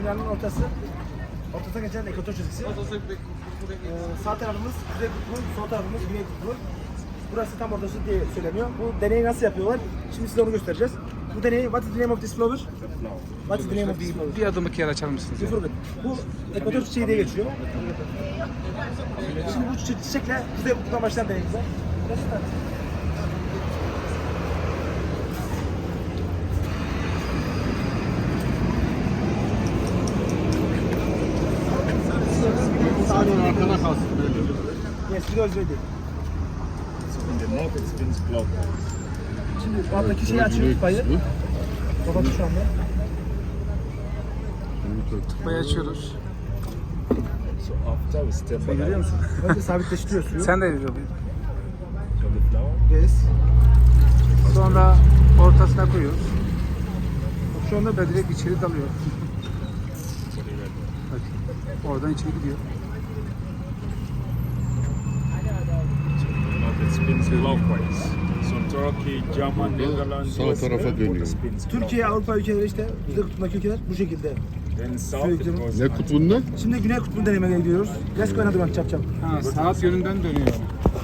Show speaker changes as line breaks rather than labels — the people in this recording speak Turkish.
Dünyanın ortasına geçen ekvator çizgisi. Sağ tarafımız kuzey kutbu, sol tarafımız güney kutbu. Burası tam ortası diye söyleniyor. Bu deneyi nasıl yapıyorlar? Şimdi size onu göstereceğiz. Bu deneyi, what is the name of this flower? What is the name of this flower?
Bir adımlık yer açar mısınız?
Sıfır bit. Bu ekvator çiçeği diye geçiyor. Şimdi bu çiçekle kuzey kutbudan başlayan deneyimize.
Arkana kalsın.
Yes, because ready.
In the north it spins clockwise.
Şimdi bu alttaki şeyi açıyor, tıpayı. Kapattı şu anda.
Tıpayı açıyoruz.
So after we step
Sen görüyor musun?
Önce sabitleştiriyor suyu.
Sen de görüyor musun?
for the flower.
Yes.
Sonra ortasına koyuyoruz. Bak şu anda direkt içeri dalıyor. Bak oradan içeri gidiyor.
North it spins clockwise. So Turkey, German, Netherlands,
Sağ tarafa dönüyor.
Türkiye, Avrupa ülkeleri işte kuzey kutbundaki ülkeler bu şekilde.
Then south it goes
Ne kutbunda?
Şimdi güney kutbunu denemeye gidiyoruz. Let's go another one, çap çap.
Ha, saat yönünden dönüyor.